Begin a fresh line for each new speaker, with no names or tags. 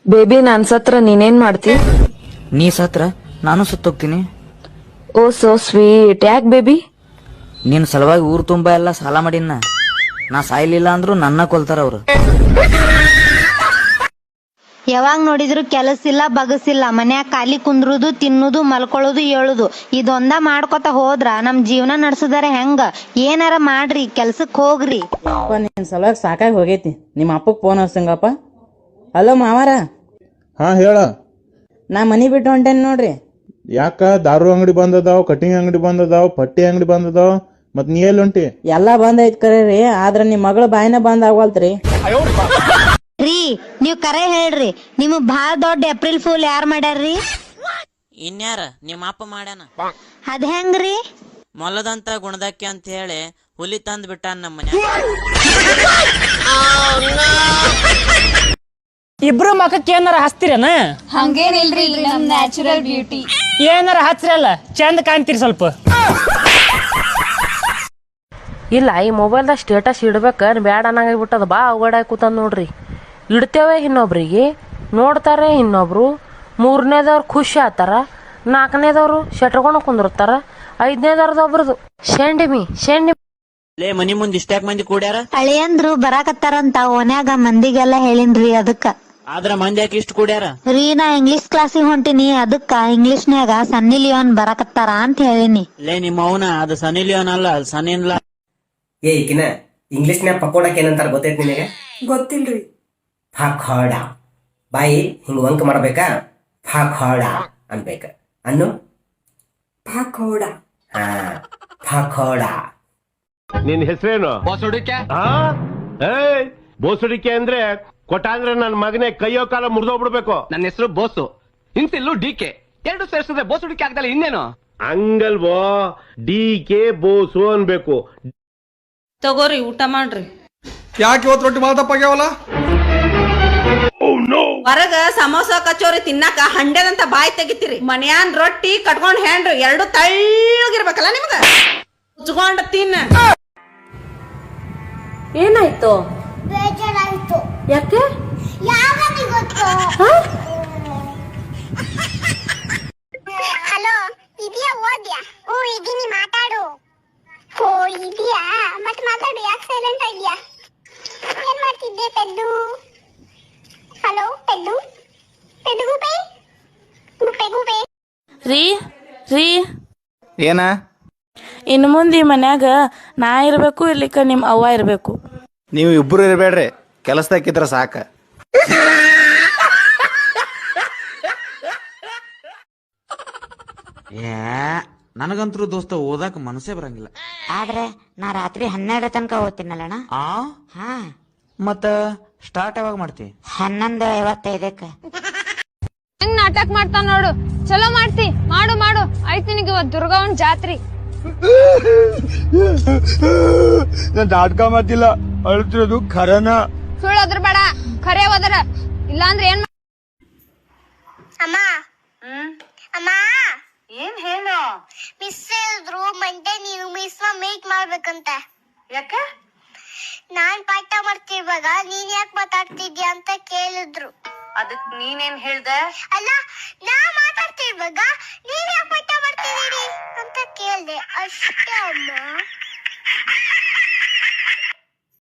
Baby ನಾನ್ ಸತ್ರ ನೀನೇನ್ ಮಾಡ್ತಿ?
ನೀ ಸತ್ರ ನಾನು ಸತ್ತೋಗ್ತೀನಿ.
Oh so sweet. ಯಾಕ್ ಬೇಬಿ?
ನಿನ್ ಸಲುವಾಗಿ ಊರ್ ತುಂಬಾ ಎಲ್ಲ ಸಾಲ ಮಾಡಿನ. ನಾ ಸಾಯ್ಲಿಲ್ಲ ಅಂದ್ರು ನನ್ನ ಕೊಲ್ತಾರ ಅವ್ರು.
ಯಾವಾಗ ನೋಡಿದ್ರು ಕೆಲಸ ಇಲ್ಲ ಬಗಸಿಲ್ಲ, ಮನ್ಯಾಗ ಖಾಲಿ ಕುಂದ್ರುದು, ತಿನ್ನುದು, ಮಲ್ಕೊಳ್ಳೋದು, ಏಳುದು ಇದೊಂದ ಮಾಡ್ಕೊತ ಹೋದ್ರ ನಮ್ ಜೀವನ ನಡ್ಸುದಾರೆ ಹೆಂಗ? ಏನಾರ ಮಾಡ್ರಿ, ಕೆಲ್ಸಕ್ ಹೋಗ್ರಿ.
ನಿನ್ ಸಲುವಾಗಿ ಸಾಕಾಗಿ ಹೋಗೈತಿ. ನಿಮ್ಮ ಅಪ್ಪಗ್ ಫೋನ್ ಹಚ್ಚಂಗಪ್ಪ. ಹಲೋ ಮಾವಾರ.
ಹಾ ಹೇಳ.
ನಾ ಮನಿ ಬಿಟ್ಟು ಹೊಂಟೇನಿ ನೋಡ್ರಿ.
ಯಾಕ? ದಾರು ಅಂಗಡಿ ಬಂದದಾವ್, ಕಟಿಂಗ್ ಅಂಗಡಿ ಬಂದದಾವ್, ಪಟ್ಟಿ ಅಂಗಡಿ ಬಂದದಾವ್, ಮತ್ ನೀ ಎಲ್ಲಿ ಹೊಂಟಿ?
ಎಲ್ಲಾ ಬಂದ್ ಐತ್ ಕರೆ ರೀ, ಆದ್ರ ನಿಮ್ ಮಗಳ ಬಾಯಿನ ಬಂದ್ ಆಗವಲ್ತ್ರಿ.
ರೀ ನೀವ್ ಕರೆ ಹೇಳ್ರಿ, ನಿಮಗ್ ಬಾಳ ದೊಡ್ಡ ಏಪ್ರಿಲ್ ಫೂಲ್ ಯಾರ್ ಮಾಡ್ಯಾರ್ರಿ?
ಇನ್ಯಾರ ನಿಮ್ಮ ಅಪ್ಪ ಮಾಡ್ಯಾನ.
ಅದ್ ಹೆಂಗ್ರಿ?
ಮೊಲದಂತ ಗುಣದಕ್ಕೆ ಅಂತ ಹೇಳಿ ಹುಲಿ ತಂದ್ ಬಿಟ್ಟಾನ ನಮ್ಮ ಮನ್ಯಾಗ.
ಇಬ್ರು ಮಖಕ್ಕೆ ಏನಾರ ಹಚ್ತಿರೇನ?
ಹಂಗೇನಿಲ್ರಿ, ನಮ್ ನ್ಯಾಚುರಲ್ ಬ್ಯೂಟಿ.
ಏನಾರ ಹಚ್ರಲ್ಲ, ಚಂದ ಕಾಣ್ತೀರಿ ಸ್ವಲ್ಪ.
ಇಲ್ಲ, ಈ ಮೊಬೈಲ್ದಾಗ ಸ್ಟೇಟಸ್ ಇಡ್ಬೇಕ ಬ್ಯಾಡ ಅನ್ನಂಗಾಗ್ಬಿಟ್ಟದ. ಬಾ ಅವಗಡ ಕೂತಂದ್ ನೋಡ್ರಿ. ಇಡ್ತೇವೆ ಇನ್ನೊಬ್ರಿಗೆ, ನೋಡ್ತಾರೆ ಇನ್ನೊಬ್ರು, ಮೂರನೇದವ್ರು ಖುಷಿ ಆತಾರ, ನಾಲ್ಕನೇದವ್ರು ಶೆಟ್ರ್ಕೊಂಡು ಕುಂದಿರ್ತಾರ, ಐದನೇದವ್ರದ್ದು ಒಬ್ರದು ಶೆಂಡಿಮಿ.
ಲೇ ಮನಿ ಮುಂದ್ ಇಷ್ಟ್ಯಾಕ್ ಮಂದಿ ಕೂಡ್ಯಾರ?
ಅಳಿಯಂದ್ರು ಬರಾಕತ್ತಾರಂತ ಓನ್ಯಾಗ ಮಂದಿಗೆಲ್ಲ ಹೇಳಿನ್ರಿ ಅದಕ್ಕ.
ಆದ್ರ ಮಂದಿ ಯಾಕೆ ಇಷ್ಟ ಕೂಡ್ಯಾರ?
ರೀ ನಾ ಇಂಗ್ಲಿಷ್ ಕ್ಲಾಸಿಗೆ ಹೊಂಟಿನಿ, ಅದಕ್ಕ ಇಂಗ್ಲಿಷ್ನ್ಯಾಗ ಸನ್ನಿ ಲಿಯೋನ್ ಬರಾಕತ್ತಾರ ಅಂತ ಹೇಳಿನಿ.
ಲೇ ನಿಮ್ಮ ಅವನ ಅದು ಸನಿ ಲಿಯೋನ್ ಅಲ್ಲ, ಅದು ಸನಿನ್ಲ.
ಏ ಈಕಿನ ಇಂಗ್ಲಿಷ್ನ್ಯಾಗ ಪಕೋಡಕ್ಕೆ ಏನಂತಾರ ಗೊತ್ತೈತಿ ನಿನಗೆ?
ಗೊತ್ತಿಲ್ರಿ.
ಫಕೋಡ. ಬಾಯಿ ಹಿಂಗ ವಂಕ ಮಾಡ್ಬೇಕಾ? ಫಕೋಡ ಅನ್ಬೇಕ. ಅನ್ನು
ಪಕೋಡ.
ಹಾ, ಫಕೋಡ.
ನಿನ್ ಹೆಸರೇನು? ಬೋಸುಡಿಕೆ. ಬೋಸುಡಿಕೆ ಅಂದ್ರೆ ಕೊಟ್ಟ ಅಂದ್ರೆ ನನ್ ಮಗನೇ ಕೈಯೋ ಕಾಲ ಮುರಿದೋಗ್ಬಿಡ್ಬೇಕು.
ನನ್ನ ಹೆಸರು ಬೋಸು, ಇನ್ಸಿಲ್ಲು ಡಿಕೆ, ಎರಡು ಸೇರ್ಸಿದ್ರೆ ಬೋಸುಡಿಕೆ ಆಗ್ದಲ್ಲ ಇನ್ನೇನು?
ಹಂಗಲ್ವೋ, ಡಿಕೆ ಬೋಸು ಅನ್ಬೇಕು.
ತಗೋರಿ ಊಟ ಮಾಡ್ರಿ.
ಯಾಕೆ ಇವತ್ತು ರೊಟ್ಟಿ ಮಾಲ್ ತಪ್ಪಾಗ್ಯಾವಲ್ಲ?
ಹೊರಗ ಸಮೋಸ ಕಚೋರಿ ತಿನ್ನಾಕ ಹಂಡೆದಂತ ಬಾಯಿ ತೆಗಿತೀರಿ, ಮನ್ಯಾನ್ ರೊಟ್ಟಿ ಕಟ್ಕೊಂಡ್ ಹ್ಯಾಂಡ್ರಿ ಎರಡು ತಳ್ಳಗಿರ್ಬೇಕಲ್ಲ ನಿಮ್ಗ. ಉಚ್ಕೊಂಡ್ ತಿನ್ನ. ಏನಾಯ್ತು?
ಬೇಜಾರಾಯ್ತು.
ಯಾಕೆ?
ಯಾವನಿಗೆ ಗೊತ್ತು? ಹಲೋ, ಇದೆಯಾ? ಓದ್ಯಾ? ಓ ಇದೀನಿ, ಮಾತಾಡು. ಓ ಇದೆಯಾ? ಮತ್ ಮಾತಾಡು, ಯಾಕೆ ಸೈಲೆಂಟ್ ಆಗಿದ್ಯಾ? ಏನ್ ಮಾಡ್ತಿದ್ದೆ ಪೆದ್ದು? ಹಲೋ ಪೆದ್ದು, ಪೆದ್ದು ಗುಬೆ, ಗುಬೆ ಗುಬೆ.
ರೀ ರೀ,
ಏನ?
ಇನ್ನು ಮುಂದೆ ಈ ಮನ್ಯಾಗ ನಾ ಇರ್ಬೇಕು, ಇರ್ಲಿಕ್ಕ ನಿಮ್ ಅವ್ವ ಇರ್ಬೇಕು.
ನೀವು ಇಬ್ರು ಇರಬೇಡ್ರಿ, ಕೆಲಸದಾಕಿದ್ರ ಸಾಕ.
ನನಗಂತರೂ ದೋಸ್ತ ಓದಾಕ ಮನಸ್ಸೇ ಬರಂಗಿಲ್ಲ.
ಆದ್ರೆ ನಾ ರಾತ್ರಿ 12 ತನಕ ಓದ್ತೀನಲ್ಲಣ್ಣ. ಹಾ,
ಮತ್ತ ಸ್ಟಾರ್ಟ್ ಯಾವಾಗ ಮಾಡ್ತಿ?
11:55.
ಹೆಂಗ್ ನಾಟಕ ಮಾಡ್ತಾ ನೋಡು, ಚಲೋ ಮಾಡ್ತಿ. ಮಾಡು ಮಾಡು. ಆಯ್ತು, ನಿನಗೆ ಇವತ್ತು ದುರ್ಗವನ್ ಜಾತ್ರಿ.
ನಾನ್ ನಾಟಕ ಮಾಡ್ತಿಲ್ಲ, ಅಳ್ತಿರೋದು ಖರನ.
ಸುಳ್ಳು ಅದ್ರ ಬೇಡ, ಖರೆ ಹೋದ್ರ. ಇಲ್ಲಾಂದ್ರೆ ಏನ್?
ಅಮ್ಮ ಅಮ್ಮ,
ಏನ್ ಹೇಳು?
ಮಿಸ್ ಹೇಳಿದ್ರು ಮಂಡೆ ನೀನು ಮಿಸ್ ಮೀಟ್ ಮಾಡ್ಬೇಕಂತ.
ಯಾಕೆ?
ನಾನ್ ಪಾಠ ಮಾಡ್ತಿರುವಾಗ ನೀನ್ ಯಾಕೆ ಮಾತಾಡ್ತಿದ್ಯಾ ಅಂತ ಕೇಳಿದ್ರು.
ಅದಕ್ ನೀನೇನ್ ಹೇಳ್ದೆ?
ಅಲ್ಲ, ನಾ ಮಾತಾಡ್ತಿರುವಾಗ ನೀನ್ ಯಾಕೆ ಪಾಠ ಮಾಡ್ತಿದ್ದೀರಿ ಅಂತ ಕೇಳ್ದೆ ಅಷ್ಟೇ ಅಮ್ಮ.